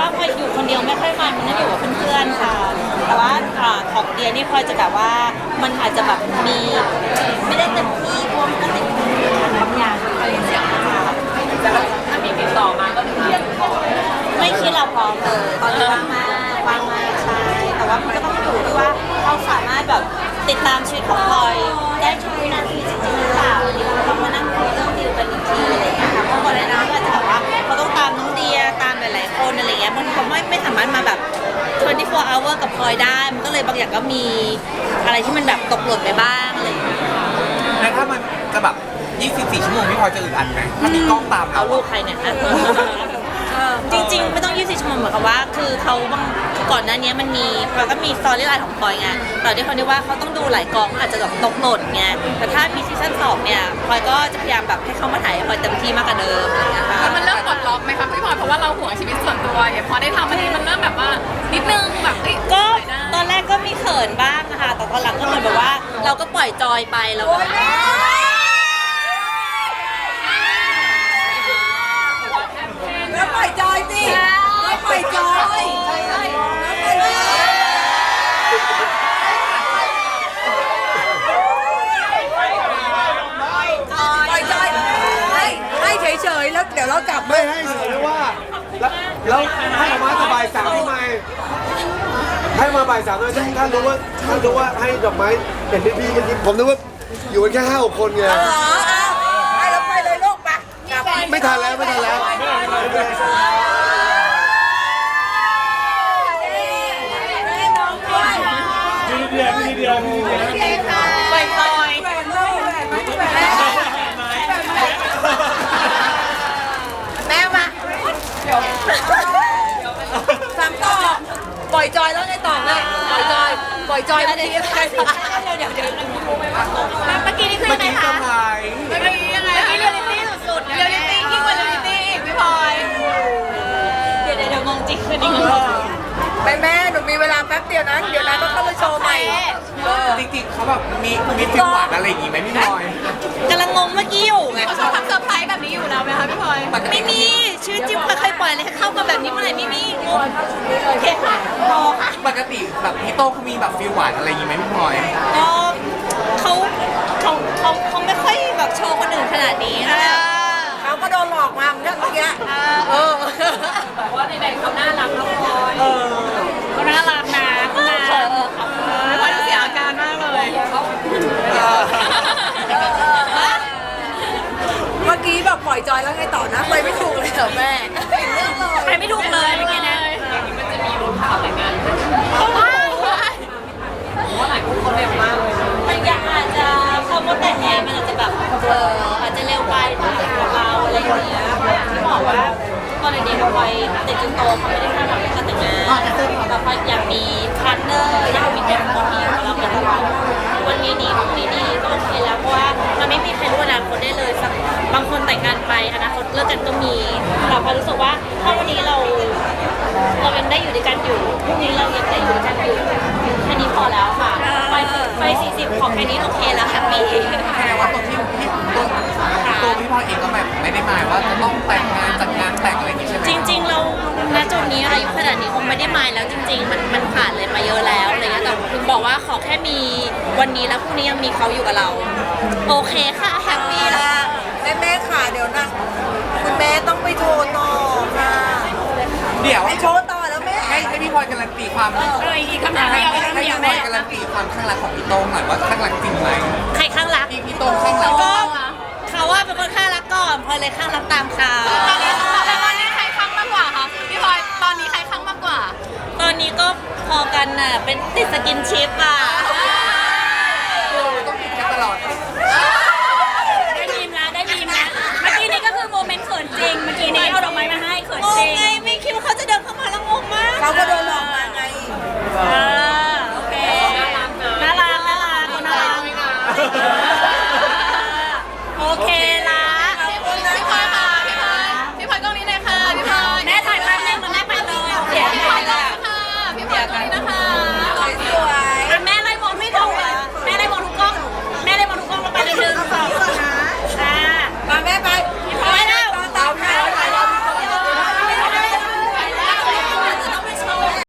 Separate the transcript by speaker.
Speaker 1: พลอยอยู่คนเดียวไม่ค่อยมันต้องอยู่กับเพื่อนๆค่ะแต่ว่าของเดียนี่พลอยจะแบบว่ามันอาจจะแบบมีไม่ได้เต็มที่เพราะมันก็ติดบางอย่างอะไรอย่างเงี้ยค่ะ
Speaker 2: แต่ถ้ามีติดต่อมาก็เรียนขอ
Speaker 1: ไม่คิดเราพร้อมเลยตอนนี้ว่างมากใช่แต่ว่ามันก็ต้องอยู่ที่ว่าเขาสามารถแบบติดตามชีวิตของพลอยได้ทุกวินาทีจริงๆหรือเปล่าเดี๋ยวเรามานั่งคุยเรื่องดีลกันอีกทีอะไรอย่างเงี้ยค่ะเพราะก่อนหน้านั้นก็อาจจะแบบว่าเขาต้องตามน้องเดียตามหลายๆคนอะไรเงี้ยมันเขาไม่สามารถมาแบบ24 hour กับพลอยได้มันก็เลยบางอย่างก็มีอะไรที่มันแบบตกหล่นไปบ้างอะไรอย่างเงี้ย
Speaker 3: แล้วถ้ามันจะแบบ24 ชั่วโมงพี่พลอยจะอึดอัดไหมถ้ามีกล้องตาม
Speaker 1: เอา
Speaker 3: เรา
Speaker 1: ลูกใครเนี่ยจริงๆไม่ต้อง24 ชั่วโมงเหมือนกับว่าคือเขาบางก่อนหน้านี้มันมีพลอยก็มีสตอรี่ไลน์ของพลอยไงตอนที่เขาเรียกว่าเขาต้องดูหลายกองอาจจะแบบตกหล่นไงแต่ถ้ามีซีซั่น2เนี่ยพลอยก็จะพยายามแบบให้เขามาถ่ายพลอยเต็มที่มากกว่าเดิมอะไรอย่างเงี้ยค่ะ
Speaker 2: แล้วมันเริ่มปลดล็อกไหมคะพี่พลอยเพราะว่าเราห่วงชีวิตส่วนตัวเนี่ยพอได้ทำอันนี้มันเริ่มแบบว่านิดนึงแบบ
Speaker 1: ก็ตอนแรกก็มีเขินบ้างค่ะแต่ตอนหลังก็เหมือนแบบว่าเราก็ปล่อยจอยไปแล้วก็
Speaker 4: แล้วปล่อยจอยสิแล้วปล่อยจอยให้เฉยๆแล้วเดี๋ยวเรากลับ
Speaker 5: ไม่ให้เฉยว่าแล้วให้ออกมาบ่ายสามทำไมให้มาบ่ายสามเลยถ้ารู้ว่าให้ดอกไม้เห็นพี่มันผมนึกว่าอยู่กันแค่5-6 คนไง
Speaker 4: ให้เราไปเลยลูกไป
Speaker 5: ไม่ทันแล้ว
Speaker 1: ปล่อยจอย
Speaker 4: แม่มาสามต่อปล่อยจอยแล้วไงต่อเลยปล่อยจอยเมื่อกี้อะไร
Speaker 1: เมื่อกี้นี่คือยังไงคะ
Speaker 2: เมื่อกี้ยังไงเรียลลิตี้สุดๆเรียลลิตี้ยิ่งกว่าเรียลลิตี้อีกพี่พลอย
Speaker 1: เดี๋ยวมองจริงคือนี่
Speaker 4: แม่หนูมีเวลาแป๊บเดียวนะเดี๋ยวนะต้องเข้าไปโชว์ใหม่
Speaker 3: จริงๆเขาแบบมีฟิลหวานอะไรอย่างงี้ไหมพี่พลอย
Speaker 1: กำลังงงเมื่อกี้อยู่ไง
Speaker 2: เขาชอบทำเซอร์ไพรส์แบบนี้อยู่แล้วไหมคะพี่พลอย
Speaker 1: ไม่มีชีวิตจริงเคยปล่อยเลยเข้ามาแบบนี้เมื่อไหร่ไม่มีงงโอเคค่ะพอค่ะ
Speaker 3: ปกติแบบพี่โต้เขามีแบบฟิลหวานอะไรอย่างงี้ไหมพี่พลอย
Speaker 1: ก็เขาไม่ค่อยแบบโชว์คนอื่นขนาดนี้นะ
Speaker 4: เขาก็โดนหลอกมาเหมือนกันเมื่อกี้
Speaker 2: แต่ว่าในๆเขาน่ารักน้องพลอย
Speaker 1: เขาน่ารักนะเขาน่า
Speaker 2: พลอยเสียอาการมากเลย
Speaker 4: เมื่อกี้แบบปล่อยจอยแล้วไงต่อนะไปไม่ถูกเลยเหรอแม่
Speaker 1: ไปไม่ถูกเลยเมื่อกี้นะ
Speaker 2: มันจะมีรุ่นข่าวแต่งงานว่าหลายคนเขาเร็วมากเลย
Speaker 1: มันยังอาจจะคำว่าแต่งงานมันอาจจะแบบอาจจะเร็วไปสำหรับเราอะไรอย่างเงี้ยที่บอกว่าตอนเด็กๆพลอยเด็กจนโตเขาไม่ได้คาดหวังการแต่งงานแต่พลอยอยากมีพาร์ทเนอร์อยากมีคนที่อยู่กับเราเป็นวันนี้ดีพรุ่งนี้ดีก็โอเคแล้วเพราะว่ามันไม่มีใครรู้อนาคตได้เลยสักบางคนแต่งงานไปอนาคตเลิกกันก็มีแต่พลอยรู้สึกว่าถ้าวันนี้เรายังได้อยู่ด้วยกันอยู่พรุ่งนี้เรายังได้อยู่ด้วยกันอยู่แค่นี้พอแล้วค่ะไป40ของแค่นี้โอเคแล้วแฮปปี้
Speaker 3: แค่ว่าตัวพี่พลอยเองก็แบบไม่ได้หมายว่าจะต้องแต่งงานจัดงานแต่งอะไรอย่างงี้ใช่ไหม
Speaker 1: จริงๆเราณจุดนี้อายุขนาดนี้คงไม่ได้หมายแล้วจริงๆมันผ่านเลยมาเยอะแล้วอะไรเงี้ยแต่ถึงบอกว่าขอแค่มีวันนี้แล้วพรุ่งนี้ยังมีเขาอยู่กับเราโอเคค่ะแฮปปี้แล้ว
Speaker 4: แม่ขาเดี๋ยวนะคุณแม่ต้องไปโทรต่อค่ะ
Speaker 3: เดี๋ยว
Speaker 4: ไปโทรต่อแล้วแม่
Speaker 3: ให้พี่พลอยการันตีความ
Speaker 2: อีกคำถามให้พี่พล
Speaker 3: อยการันตีความข้างรักของพี่โต้งหน่อยว่าข้างรักจริงไหม
Speaker 1: ใครข้างรัก
Speaker 3: พี่โต้งข้างรัก
Speaker 1: ก็เขาว่าเป็นคนข้างรักก่อนพลอยเลยข้างรักตามเขา
Speaker 2: ตอนนี้ใครข้างมากกว่าคะพี่พลอยตอนนี้ใครข้างมากกว่า
Speaker 1: ตอนนี้ก็พอกันน่ะเป็นติดสกินชิปอ่ะ
Speaker 3: ต้องติดกันตลอด
Speaker 1: ได้ยินนะเมื่อกี้นี้ก็คือโมเมนต์เขินจริงเมื่อกี้นี้เอาดอกไม้มาให้เขินจริงไงไม่คิดว่าเขาจะเดินเข้ามาแล้วงงมาก
Speaker 4: เขาก็โดน